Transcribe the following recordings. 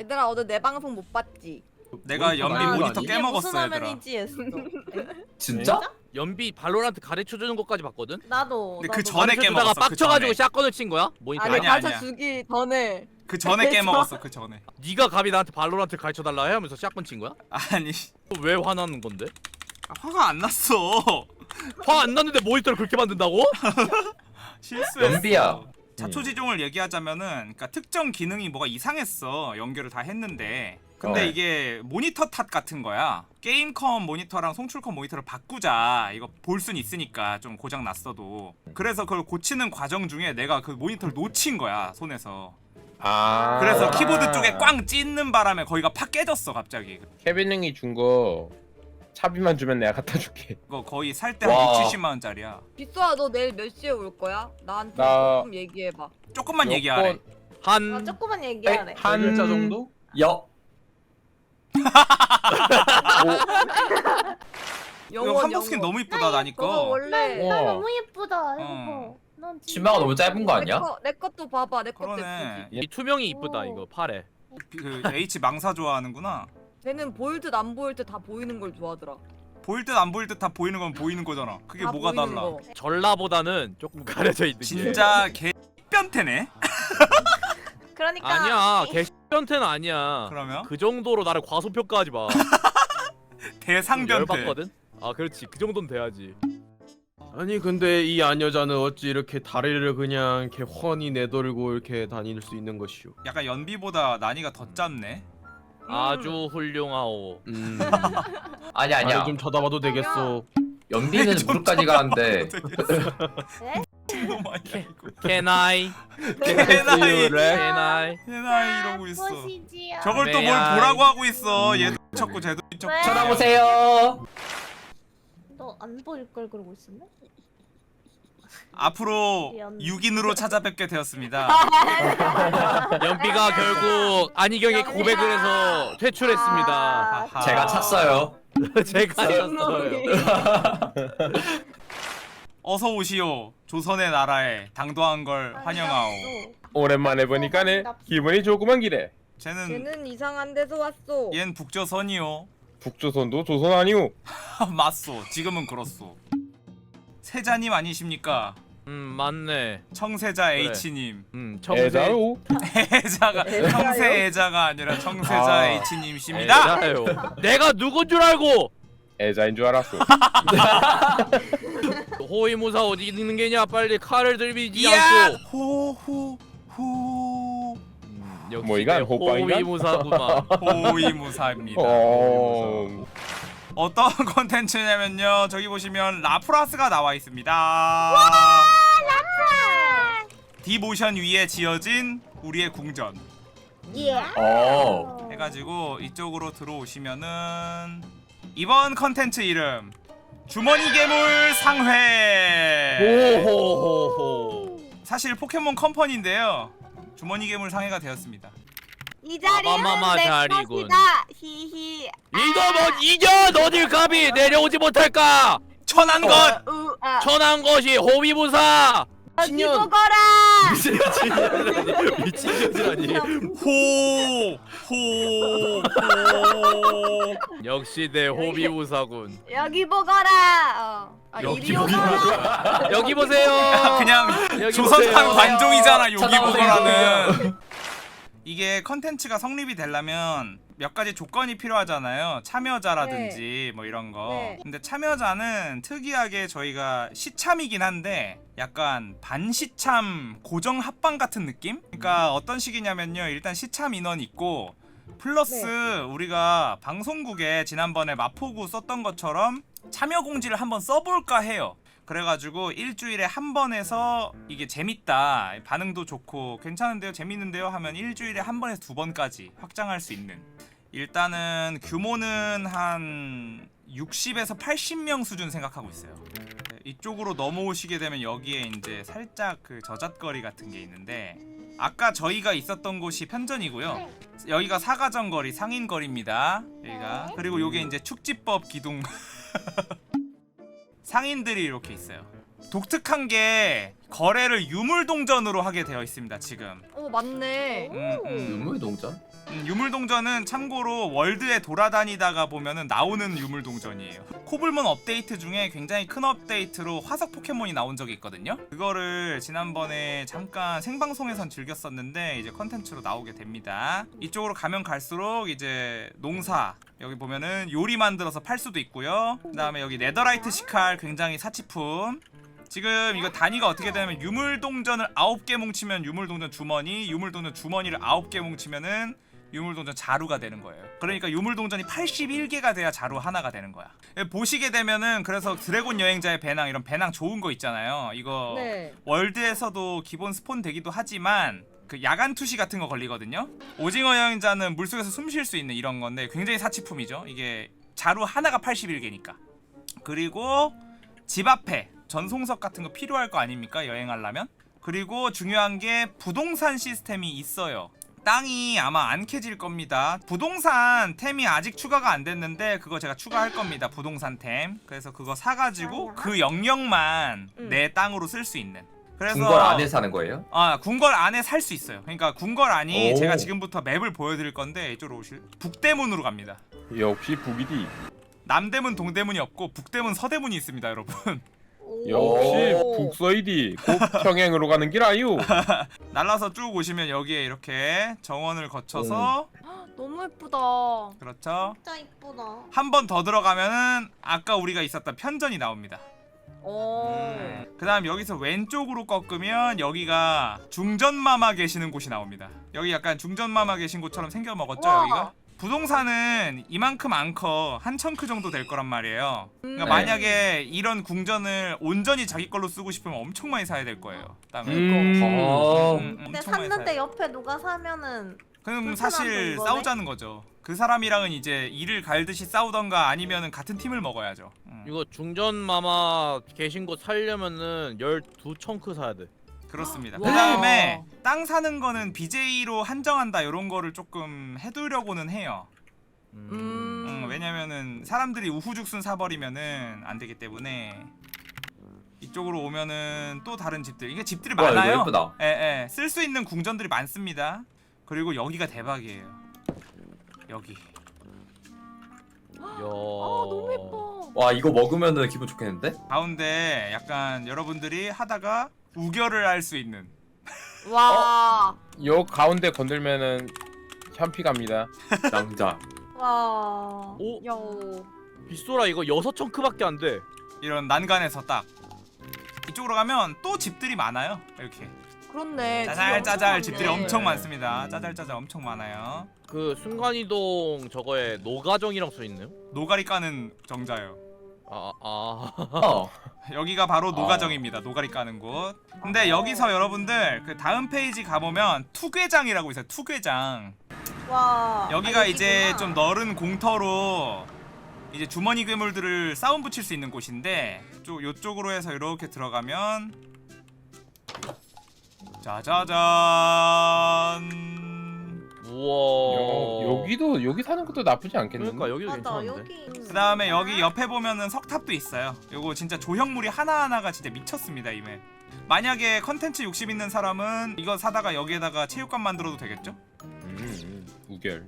얘들아 오늘 내 방송 못 봤지? 내가 연비 아, 모니터 이게 깨먹었어 무슨 얘들아. 화면이지 했어. 진짜? 연비 발로란트 가르쳐주는 것까지 봤거든? 나도. 근데 그 전에 가르쳐주다가 깨먹었어. 그 빡쳐가지고 전에. 샷건을 친 거야? 모니터. 아니 아니야, 아니야. 가르쳐 주기 전에. 그 전에 깨먹었어. 그 전에. 네가 감히 나한테 발로란트 가르쳐달라 해 하면서 샷건 친 거야? 아니 왜 화나는 건데? 화가 안 났어. 화 안 났는데 모니터를 그렇게 만든다고? 실수했어. 연비야. 자초지종을 얘기하자면은 그러니까 특정 기능이 뭐가 이상했어. 연결을 다 했는데 근데 이게 모니터 탓 같은 거야. 게임컴 모니터랑 송출컴 모니터를 바꾸자. 이거 볼 순 있으니까 좀 고장 났어도. 그래서 그걸 고치는 과정 중에 내가 그 모니터를 놓친 거야 손에서. 아. 그래서 키보드 쪽에 꽝 찢는 바람에 거기가 팍 깨졌어 갑자기. 케빈 형이 준 거 차비만 주면 내가 갖다 줄게. 이거 거의 살 때 한 와. 6, 70만 원짜리야. 빗소아 너 내일 몇 시에 올 거야? 나한테 나- 조금 얘기해봐. 조금만 몇 얘기하래. 번- 아, 한 조금만 얘기하래. 한 글자 정도? 여. 이거 한복 스킨 너무 이쁘다 나니까. 저거 원래 우와. 너무 예쁘다. 이거 어. 봐. 난 진짜 치마가 너무 짧은 거 아니야? 내 것도 봐봐. 내 것도 그러네. 예쁘지. 이 투명이 이쁘다 오. 이거 팔에. 그 H 망사 좋아하는구나. 쟤는 보일 듯 안 보일 듯 다 보이는 걸 좋아하더라. 보일 듯 안 보일 듯 다 보이는 건 보이는 거잖아. 그게 다 뭐가 보이는 달라? 거. 전라보다는 조금 가려져 있는 게. 진짜 개 변태네. 그러니까 아니야 개변태는 아니야. 그러면 그 정도로 나를 과소평가하지 마. 대상 변태. 열받거든? 아 그렇지 그 정도는 돼야지. 아니 근데 이 아녀자는 어찌 이렇게 다리를 그냥 이렇게 훤히 내돌고 이렇게 다닐 수 있는 것이오? 약간 연비보다 난이가 더 짧네. 아주 훌륭하오. 아니야 아니야. 나를 좀 쳐다봐도 되겠소? 연비는 무릎까지 가는데 너무 많이 이거. Can I? 해나이 Can I? 해나이 이러고 있어. 보시지요. 저걸 또 뭘 매야. 보라고 하고 있어. 얘도 쳤고 쟤도 쳤고. 왜? 쳐다보세요. 너안 보일 걸 그러고 있었네. 앞으로 연- 6인으로 찾아뵙게 되었습니다. 연비가 결국 안희경의 고백을 해서 퇴출했습니다. 하하. 제가 찼어요. 제가 졌어요. 어서 오시오. 조선의 나라에 당도한 걸 환영하오. 오랜만에 보니까네 기분이 조그만 기래. 쟤는 쟤는 이상한 데서 왔어. 얜 북조선이요. 북조선도 조선 아니오. 맞소. 지금은 그렇소. 세자님 아니십니까? 맞네. 청세자 그래. H님. 청세. 애자로. 애자가 애자요? 청세 애자가 아니라 청세자 아. H님이십니다. 애자요. 내가 누군 줄 알고? 애자인 줄 알았어. 호위무사 어디 있는 게냐? 빨리 칼을 들이지 이야 않고. 호호호 역시 뭐 이건 내 호빵인가? 호위무사구만. 호위무사입니다. 어. 어떤 컨텐츠냐면요. 저기 보시면 라프라스가 나와 있습니다. 디모션 위에 지어진 우리의 궁전 예. 어. 해가지고 이쪽으로 들어오시면은 이번 컨텐츠 이름 주머니 괴물 상회. 호호호호. 사실 포켓몬 컴퍼니인데요. 주머니 괴물 상회가 되었습니다. 이 자리는 마마마 내 자리군. 것이다. 히히. 이거 뭐 이겨 너들 감히 내려오지 못할까? 천한 것. 천한 것이 호위무사. 여기 보거라. 미친년이라니. 호. 역시 내 호위무사군. 여기 보거라. 여기 이리 오거라. 여기 보세요. 그냥 여기 조선판 보세요. 관종이잖아. 여기 찾아오세요. 보거라는. 이게 컨텐츠가 성립이 되려면 몇 가지 조건이 필요하잖아요. 참여자라든지 뭐 이런 거. 네. 근데 참여자는 특이하게 저희가 시참이긴 한데 약간 반시참 고정 합방 같은 느낌? 그러니까 어떤 식이냐면요. 일단 시참 인원 있고 플러스 우리가 방송국에 지난번에 마포구 썼던 것처럼 참여 공지를 한번 써볼까 해요. 그래가지고 일주일에 한 번 해서 이게 재밌다, 반응도 좋고 괜찮은데요, 재밌는데요 하면 일주일에 한 번에서 두 번까지 확장할 수 있는. 일단은 규모는 한 60에서 80명 수준 생각하고 있어요. 이쪽으로 넘어오시게 되면 여기에 이제 살짝 그 저잣거리 같은 게 있는데 아까 저희가 있었던 곳이 편전이고요. 여기가 사가정거리, 상인거리입니다. 여기가. 그리고 요게 이제 축지법 기둥 상인들이 이렇게 있어요. 독특한 게 거래를 유물동전으로 하게 되어 있습니다 지금. 오 맞네. 유물동전? 유물동전은 참고로 월드에 돌아다니다가 보면은 나오는 유물동전이에요. 코블몬 업데이트 중에 굉장히 큰 업데이트로 화석 포켓몬이 나온 적이 있거든요. 그거를 지난번에 잠깐 생방송에선 즐겼었는데 이제 컨텐츠로 나오게 됩니다. 이쪽으로 가면 갈수록 이제 농사, 여기 보면은 요리 만들어서 팔 수도 있고요. 그 다음에 여기 네더라이트 시칼, 굉장히 사치품. 지금 이거 단위가 어떻게 되냐면 유물동전을 9개 뭉치면 유물동전 주머니, 유물동전 주머니를 9개 뭉치면은 유물동전 자루가 되는 거예요. 그러니까 유물동전이 81개가 돼야 자루 하나가 되는 거야. 보시게 되면은 그래서 드래곤 여행자의 배낭, 이런 배낭 좋은 거 있잖아요. 이거 네. 월드에서도 기본 스폰 되기도 하지만 그 야간 투시 같은 거 걸리거든요. 오징어 여행자는 물속에서 숨 쉴 수 있는 이런 건데 굉장히 사치품이죠. 이게 자루 하나가 81개니까. 그리고 집 앞에 전송석 같은 거 필요할 거 아닙니까? 여행하려면. 그리고 중요한 게 부동산 시스템이 있어요. 땅이 아마 안 캐질 겁니다. 부동산 템이 아직 추가가 안 됐는데 그거 제가 추가할 겁니다. 부동산 템. 그래서 그거 사가지고 그 영역만 내 땅으로 쓸 수 있는. 그래서 궁궐 안에 사는 거예요? 아, 궁궐 안에 살 수 있어요. 그러니까 궁궐 안이 오. 제가 지금부터 맵을 보여드릴 건데 이쪽으로 오실. 북대문으로 갑니다. 역시 북이디. 남대문, 동대문이 없고 북대문, 서대문이 있습니다, 여러분. 역시 오. 북서이디. 곧 평행으로 가는 길 아유. 날라서 쭉 오시면 여기에 이렇게 정원을 거쳐서 너무 예쁘다. 그렇죠. 진짜 이쁘다. 한 번 더 들어가면은 아까 우리가 있었던 편전이 나옵니다. 오. 그 다음 여기서 왼쪽으로 꺾으면 여기가 중전마마 계시는 곳이 나옵니다. 여기 약간 중전마마 계신 곳처럼 생겨 먹었죠. 우와. 여기가 부동산은 이만큼 안 커. 한 청크 정도 될 거란 말이에요. 그러니까 네. 만약에 이런 궁전을 온전히 자기 걸로 쓰고 싶으면 엄청 많이 사야 될 거예요. 땅을. 근데 엄청 많이 샀는데 사야 옆에 누가 사면은 그럼 불편한 사실 거네? 싸우자는 거죠. 그 사람이랑은 이제 이를 갈듯이 싸우던가 아니면은 같은 팀을 먹어야죠. 이거 중전 마마 계신 곳 살려면은 12청크 사야 돼. 그렇습니다. 와. 그 다음에 땅 사는 거는 BJ로 한정한다 이런 거를 조금 해두려고는 해요. 왜냐면은 사람들이 우후죽순 사버리면은 안 되기 때문에. 이쪽으로 오면은 또 다른 집들, 이게 집들이 와, 이거 많아요. 예쁘다. 예, 쓸 수 있는 궁전들이 많습니다. 그리고 여기가 대박이에요. 여기. 야. 너무 예뻐. 와 이거 먹으면은 기분 좋겠는데? 가운데 약간 여러분들이 하다가 우결을 할 수 있는. 와. 요 가운데 건들면은 샴피 갑니다. 낭자. 와. 오, 야. 빗소라 이거 6청크밖에 안 돼. 이런 난간에서 딱 이쪽으로 가면 또 집들이 많아요. 이렇게 그렇네. 짜잘짜잘 집이 집들이 엄청 엄청 많네. 많습니다. 짜잘짜잘 엄청 많아요. 그 순간이동 저거에 노가정이랑 써 있네요. 노가리 까는 정자요. 어. 여기가 바로 노가정입니다. 노가리 까는 곳. 근데 여기서 여러분들 그 다음 페이지 가보면 투괴장이라고 있어요. 투괴장. 와. 여기가 아, 이제 여기구나. 좀 넓은 공터로 이제 주머니 괴물들을 싸움 붙일 수 있는 곳인데 요쪽으로 해서 이렇게 들어가면 짜자잔. 우와. 여기 사는 것도 나쁘지 않겠는데. 그러니까 여기도 맞아 괜찮은데. 여기. 그 다음에 여기 옆에 보면은 석탑도 있어요. 요거 진짜 조형물이 하나하나가 진짜 미쳤습니다. 이 맵. 만약에 컨텐츠 욕심 있는 사람은 이거 사다가 여기에다가 체육관 만들어도 되겠죠? 우결.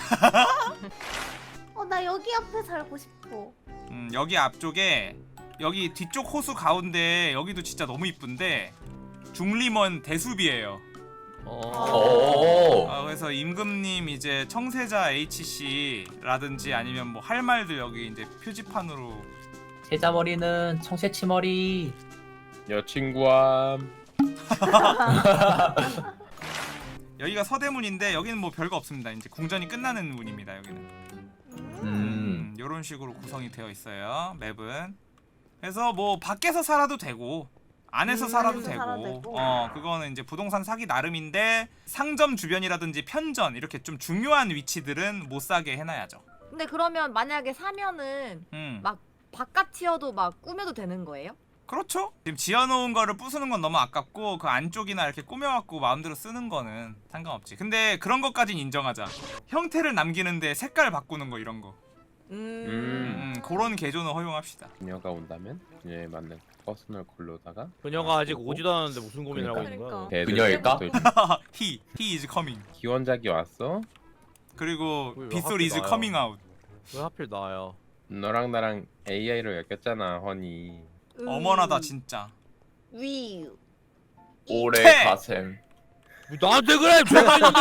나 여기 앞에 살고 싶어. 여기 앞쪽에 여기 뒤쪽 호수 가운데 여기도 진짜 너무 이쁜데 중림원 대숲이에요. 오. 그래서 임금님 이제 청세자 HC라든지 아니면 뭐 할 말들 여기 이제 표지판으로. 세자머리는 청새치머리. 여친구와 여기가 서대문인데 여기는 뭐 별거 없습니다. 이제 궁전이 끝나는 문입니다. 여기는. 요런 식으로 구성이 되어 있어요. 맵은. 그래서 뭐 밖에서 살아도 되고 안에서 살아도 안에서 되고. 살아도 되고. 그거는 이제 부동산 사기 나름인데 상점 주변이라든지 편전 이렇게 좀 중요한 위치들은 못 사게 해놔야죠. 근데 그러면 만약에 사면은 막 바깥이어도 막 꾸며도 되는 거예요? 그렇죠. 지금 지어놓은 거를 부수는 건 너무 아깝고 그 안쪽이나 이렇게 꾸며갖고 마음대로 쓰는 거는 상관없지. 근데 그런 것까진 인정하자. 형태를 남기는데 색깔 바꾸는 거 이런 거. 그런 개조는 허용합시다. 그녀가 온다면 그녀에 맞는 퍼스널 컬러다가 그녀가 아직 오지도 않았는데 무슨 고민을 하고 있는 거야? 그녀일까? he is coming. 기원작이 왔어. 그리고 왜 빗솔 하필 is 나야? coming out. 왜 하필 나야? 너랑 나랑 AI로 엮였잖아, 허니. 어머나다 진짜. 위. 올해 퇴! 가셈. 뭐 나한테 그래! 죄가 있는데!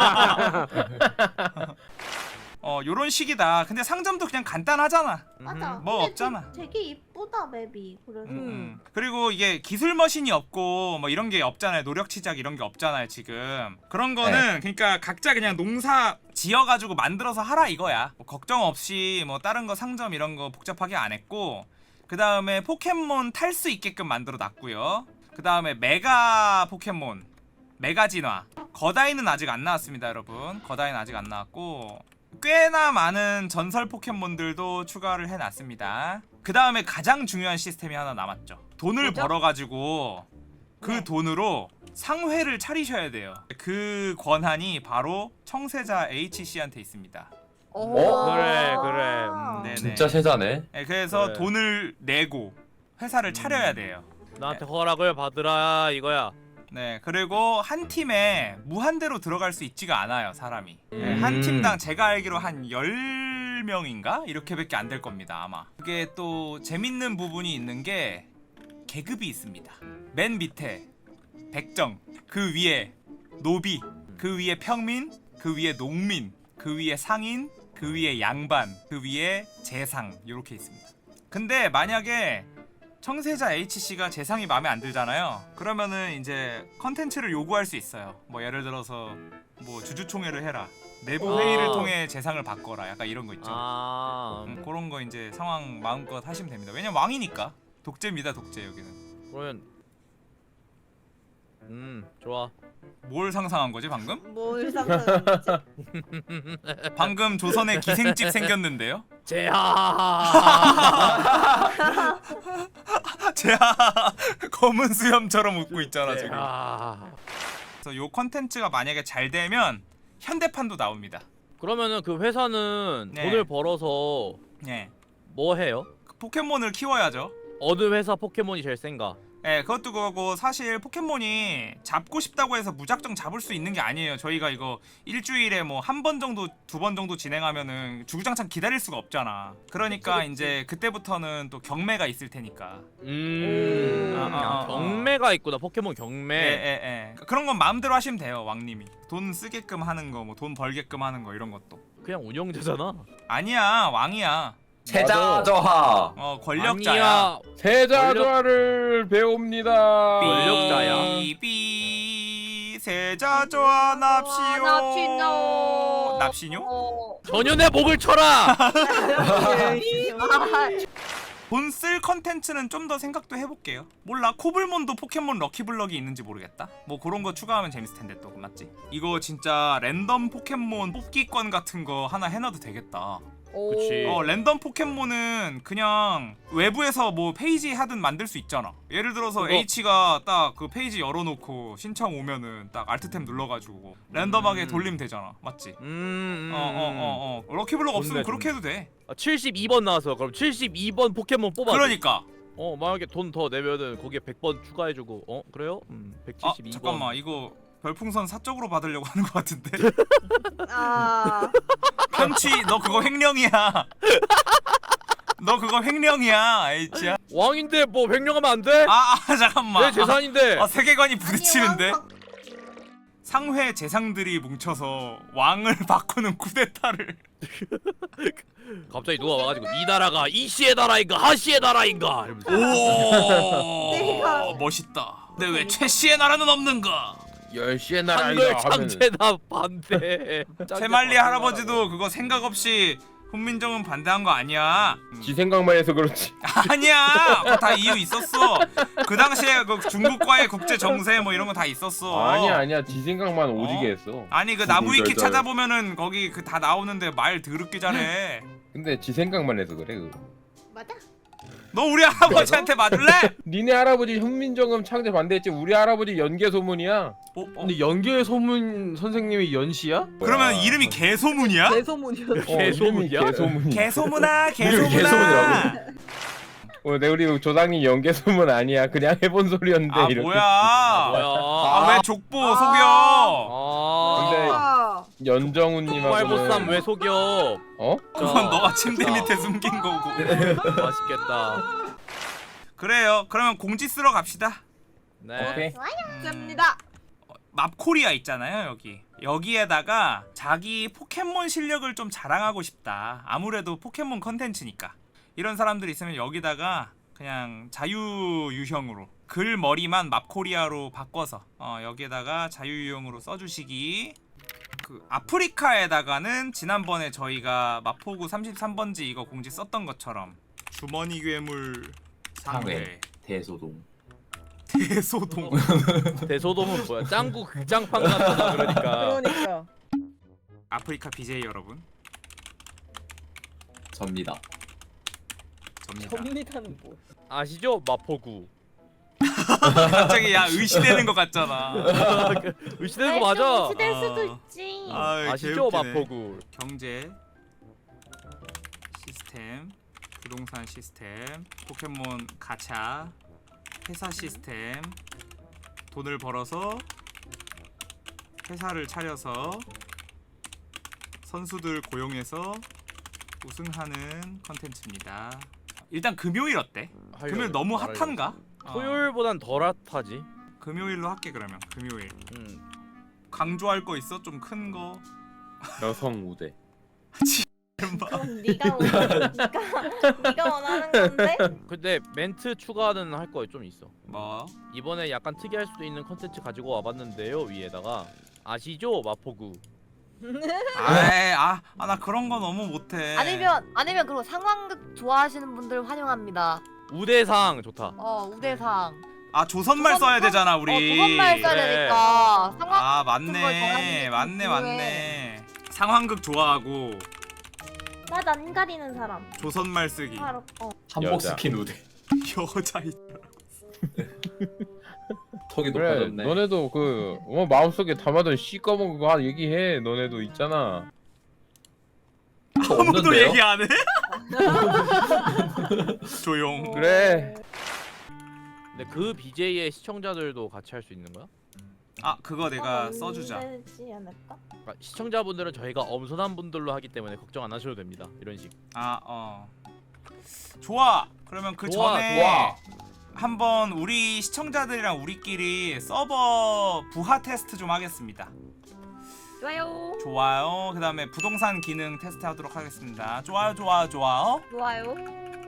요런 식이다. 근데 상점도 그냥 간단하잖아. 맞아. 뭐 근데 없잖아. 되게 이쁘다 맵이. 그래서. 그리고 이게 기술 머신이 없고 뭐 이런 게 없잖아요. 노력 치작 이런 게 없잖아요 지금. 그런 거는 그러니까 각자 그냥 농사 지어가지고 만들어서 하라 이거야. 뭐 걱정 없이 뭐 다른 거 상점 이런 거 복잡하게 안 했고, 그 다음에 포켓몬 탈 수 있게끔 만들어 놨고요. 그 다음에 메가 포켓몬, 메가 진화. 거다이는 아직 안 나왔습니다 여러분. 거다이는 아직 안 나왔고, 꽤나 많은 전설 포켓몬들도 추가를 해놨습니다. 그 다음에 가장 중요한 시스템이 하나 남았죠. 돈을 뭐죠? 벌어가지고 그 네. 돈으로 상회를 차리셔야 돼요. 그 권한이 바로 청세자 HC한테 있습니다. 그래. 네네. 진짜 세자네. 네, 그래서 그래. 돈을 내고 회사를 차려야 돼요. 나한테 허락을 받으라 이거야. 네, 그리고 한 팀에 무한대로 들어갈 수 있지가 않아요 사람이. 네, 한 팀당 제가 알기로 한 10명인가? 이렇게밖에 안 될 겁니다 아마. 그게 또 재밌는 부분이 있는 게 계급이 있습니다. 맨 밑에 백정, 그 위에 노비, 그 위에 평민, 그 위에 농민, 그 위에 상인, 그 위에 양반, 그 위에 재상, 이렇게 있습니다. 근데 만약에 청세자 HC가 재상이 마음에 안 들잖아요. 그러면은 이제 컨텐츠를 요구할 수 있어요. 뭐 예를 들어서 뭐 주주총회를 해라, 내부 회의를 통해 재상을 바꿔라, 약간 이런 거 있죠. 그런 거 이제 상황 마음껏 하시면 됩니다. 왜냐면 왕이니까. 독재입니다 독재 여기는. 그러면 좋아. 뭘 상상한 거지 방금? 뭘 상상했지? 방금 조선에 기생집 생겼는데요? 제아 검은 수염처럼 웃고 있잖아 지금. 그래서 요 컨텐츠가 만약에 잘 되면 현대판도 나옵니다. 그러면은 그 회사는 네. 돈을 벌어서 예, 뭐 해요? 그 포켓몬을 키워야죠. 어느 회사 포켓몬이 제일 센가? 예, 그것도 그거고, 사실 포켓몬이 잡고 싶다고 해서 무작정 잡을 수 있는 게 아니에요. 저희가 이거 일주일에 뭐 한 번 정도, 두 번 정도 진행하면은 주구장창 기다릴 수가 없잖아. 그러니까 이제 그때부터는 또 경매가 있을 테니까. 경매가 있구나. 포켓몬 경매. 예. 그런 건 마음대로 하시면 돼요, 왕님이. 돈 쓰게끔 하는 거, 뭐 돈 벌게끔 하는 거 이런 것도. 그냥 운영자잖아. 아니야, 왕이야. 세자 저하. 권력자야. 아니야. 세자조화를 배웁니다. 권력자야. 삐 세자조화 납시오. 납시뇨. 납시뇨? 전연의 목을 쳐라. 돈 쓸 컨텐츠는 좀 더 생각도 해볼게요. 몰라, 코블몬도 포켓몬 럭키블럭이 있는지 모르겠다. 뭐 그런 거 추가하면 재밌을 텐데 또. 맞지? 이거 진짜 랜덤 포켓몬 뽑기권 같은 거 하나 해놔도 되겠다. 그치. 랜덤 포켓몬은 그냥 외부에서 뭐 페이지 하든 만들 수 있잖아. 예를 들어서 그거- H가 딱 그 페이지 열어놓고 신청 오면은 딱 알트템 눌러가지고 랜덤하게 돌리면 되잖아. 맞지? 럭키블럭 없으면 좋네, 그렇게 해도 돼. 72번 나와서 그럼 72번 포켓몬 뽑아. 그러니까. 만약에 돈 더 내면은 거기에 100번 추가해주고. 그래요? 172번. 잠깐만, 이거 별풍선 사적으로 받으려고 하는 것 같은데. 편취, 너 그거 횡령이야. 너 그거 횡령이야, H야. 왕인데 뭐 횡령하면 안 돼? 잠깐만. 내 재산인데. 세계관이 부딪히는데. 상회 재상들이 뭉쳐서 왕을 바꾸는 쿠데타를. 갑자기 누가 와가지고 이 나라가 이씨의 나라인가 하씨의 나라인가 이러면서. 오, 내가- 멋있다. 근데 왜 최씨의 나라는 없는가? 10시의 한글 나라이다 하면 창제나 반대. 채말리 할아버지도 그거 생각 없이 훈민정음 반대한 거 아니야. 지 생각만 해서 그렇지. 아니야. 그거 다 이유 있었어. 그 당시에 그 중국과의 국제 정세 뭐 이런 거 다 있었어. 아니야 지 생각만 오지게 했어. 아니 그 나무위키 구글절절. 찾아보면은 거기 그 다 나오는데 말 더럽게 잘해. 근데 지 생각만 해서 그래 그거. 맞아? 너 우리 할아버지한테 맞을래? 니네 할아버지 현민정음 창제 반대했지. 우리 할아버지 연개 소문이야. 근데 연계 소문 선생님이 연시야? 그러면 이름이 개소문이야? 개소문이었어. 이름이 개소문이야. 개소문아 이름이 개소문이라고? 내 우리 조상님 연개 소문 아니야. 그냥 해본 소리였는데 아 이렇게. 뭐야? 뭐야? 아 왜 족보 속여? 근데 아. 연정훈님하고는 왈보쌈 왜 속여? 어? 그건 너가 침대 밑에 숨긴 거고. 맛있겠다. 그래요. 그러면 공지 쓰러 갑시다. 네. 오케이. 습니다. 맙코리아 있잖아요 여기. 여기에다가 자기 포켓몬 실력을 좀 자랑하고 싶다. 아무래도 포켓몬 컨텐츠니까. 이런 사람들 있으면 여기다가 그냥 자유유형으로 글 머리만 맙코리아로 바꿔서 여기에다가 자유유형으로 써주시기. 그 아프리카에다가는 지난번에 저희가 마포구 33번지 이거 공지 썼던 것처럼 주머니 괴물 상회 대소동. 대소동. 대소동은 뭐야? 짱구 극장판 같다 그러니까. 그러니까. 아프리카 BJ 여러분 접니다. 접니다. 접니다는 뭐? 아시죠? 마포구. 갑자기 야 의시되는 것 같잖아. 의시되는 거 맞아. 시될 아. 수도 있지. 아시죠? 마포구. 경제 시스템, 부동산 시스템, 포켓몬 가챠, 회사 시스템, 돈을 벌어서 회사를 차려서 선수들 고용해서 우승하는 컨텐츠입니다. 일단 금요일 어때? 금요일 너무 핫한가? 토요일보단 덜 핫하지. 금요일로 할게 그러면. 금요일 음. 강조할 거 있어? 좀 큰 거. 여성 우대. 그럼 네가 원하는 건데? 근데 멘트 추가는 할 거 좀 있어. 뭐? 이번에 약간 특이할 수도 있는 컨텐츠 가지고 와봤는데요. 위에다가 아시죠? 마포구. 나 그런 거 너무 못해. 아니면 그리고 상황극 좋아하시는 분들 환영합니다. 우대상 좋다. 우대상. 조선말 써야 되잖아 우리. 조선말 써야 그래. 되니까. 상황 맞네. 맞네. 상황극 좋아하고 맛 안 가리는 사람. 조선말 쓰기. 바로 한복 여자. 스킨 우대. 여자 턱이 그래. 높아졌네. 너네도 그 마음속에 담아둔 시꺼먼 거 얘기해. 너네도 있잖아. 저 아무도 없는데요? 얘기 안 해? 조용. 그래. 근데 그 BJ의 시청자들도 같이 할 수 있는 거야? 그거 내가 써주자. 되지 않을까? 그러니까 시청자분들은 저희가 엄선한 분들로 하기 때문에 걱정 안 하셔도 됩니다. 이런 식. 좋아. 그러면 그 좋아, 전에 좋아. 한번 우리 시청자들이랑 우리끼리 서버 부하 테스트 좀 하겠습니다. 좋아요. 좋아요. 그다음에 부동산 기능 테스트 하도록 하겠습니다. 좋아요. 좋아요.